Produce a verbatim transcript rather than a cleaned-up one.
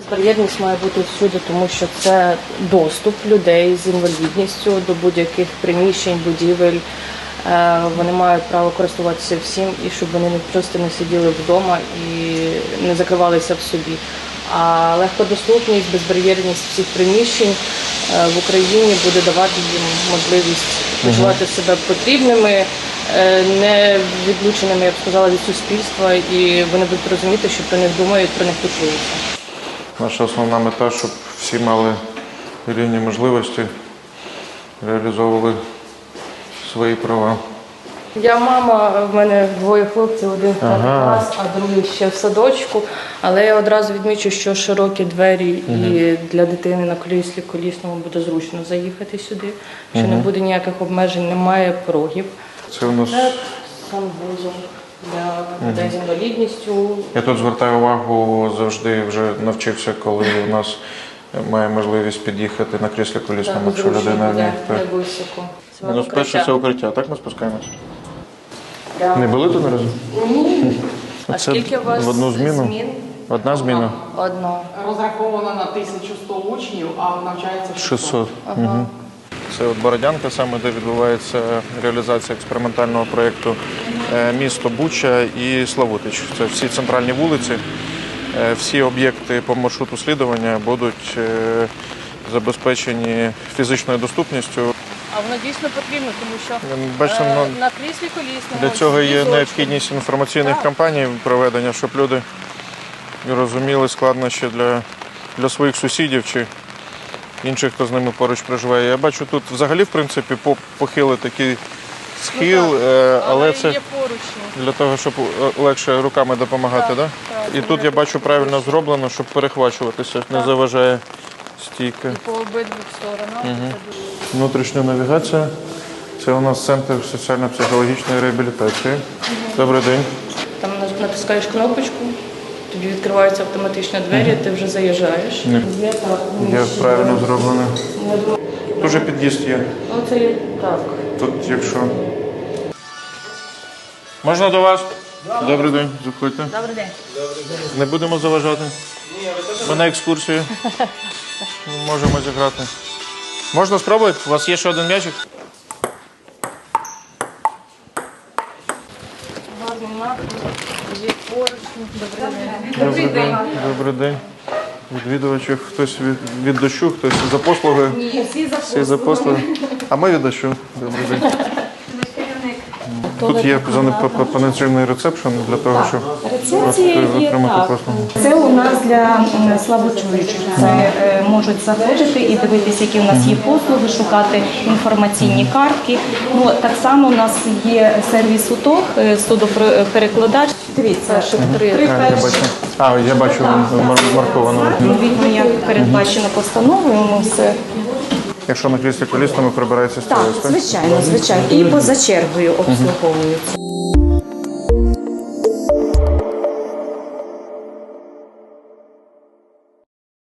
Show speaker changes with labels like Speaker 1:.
Speaker 1: Безбар'єрність має бути всюди, тому що це доступ людей з інвалідністю до будь-яких приміщень, будівель. Вони мають право користуватися всім, і щоб вони не просто не сиділи вдома і не закривалися в собі. А легкодоступність, безбар'єрність всіх приміщень в Україні буде давати їм можливість почувати себе потрібними, не відлученими, я б сказала, від суспільства, і вони будуть розуміти, що про них думають, про них піклуються.
Speaker 2: Наша основна мета, щоб всі мали рівні можливості, реалізовували свої права.
Speaker 1: Я мама, в мене двоє хлопців, один в перший клас, а другий ще в садочку. Але я одразу відмічу, що широкі двері угу. і для дитини на кріслі колісному буде зручно заїхати сюди, що угу. не буде ніяких обмежень, немає порогів.
Speaker 2: Це у нас
Speaker 1: Це санвузол для людей з інвалідністю.
Speaker 2: Я тут звертаю увагу, завжди вже навчився, коли у нас має можливість під'їхати на кріслі колісному, якщо людина
Speaker 1: не
Speaker 2: не
Speaker 1: високо.
Speaker 2: Мінус перше – це укриття. Так ми спускаємося? Да. Не були тут наразі?
Speaker 1: Ні. А скільки у вас
Speaker 2: в одну зміну?
Speaker 1: змін?
Speaker 2: Одна зміна?
Speaker 1: Одна.
Speaker 3: Розраховано на тисячу сто учнів, а навчається шістсот.
Speaker 2: шістсот. Ага. Угу. Це от Бородянка, саме де відбувається реалізація експериментального проєкту місто Буча і Славутич. Це всі центральні вулиці, всі об'єкти по маршруту слідування будуть забезпечені фізичною доступністю.
Speaker 1: А воно дійсно потрібно, тому що
Speaker 2: Бачите,
Speaker 1: е,
Speaker 2: ну,
Speaker 1: на кріслі колісному...
Speaker 2: Для цього є
Speaker 1: візочку.
Speaker 2: необхідність інформаційних кампаній проведення, щоб люди розуміли складнощі для, для своїх сусідів чи інших, хто з ними поруч проживає. Я бачу тут взагалі, в принципі, похилий такий схил, ну, але, але це
Speaker 1: є поручні.
Speaker 2: Для того, щоб легше руками допомагати, так? Да?
Speaker 1: Так,
Speaker 2: І тут я бачу правильно зроблено, щоб перехвачуватися, так. Не заважає стійка.
Speaker 1: І по обидвих сторонах.
Speaker 2: Угу. Внутрішня навігація. Це у нас центр соціально-психологічної реабілітації. Угу. Добрий день.
Speaker 1: Там натискаєш кнопочку, тобі відкриваються автоматично двері, угу. ти вже заїжджаєш.
Speaker 2: Ні. Є, так, є правильно зроблено. Дуже під'їзд є.
Speaker 1: Ну, це є так.
Speaker 2: Тут, якщо... Можна до вас? Да. Добрий день, заходьте.
Speaker 1: Добрий день.
Speaker 2: Не будемо заважати? Ні, ми на екскурсію. Можемо зіграти. Можна спробувати? У вас є ще один м'ячик?
Speaker 1: Гарний напрямок, є поручні.
Speaker 2: Добрий день. Добрий день. Відвідувачів хтось від, від дощу, хтось за послуги.
Speaker 1: Ні, всі за
Speaker 2: всі за послуги. А ми від дощу. Добрий день. Тут є панаційний рецепшн для того, щоб отримати послугу.
Speaker 4: Це у нас для слабочуючих. Це можуть заходити і дивитися, які у нас є послуги, шукати інформаційні картки. Ну, так само у нас є сервіс УТОГ, судоперекладач. Дивіться, що три перші.
Speaker 2: А, я бачу, марковано.
Speaker 4: Відповідно, як передбачено постановою, ми все.
Speaker 2: Якщо на кріслі колісному прибирається стілець,
Speaker 4: так? Так, звичайно, звичайно. І поза чергою обслуговується.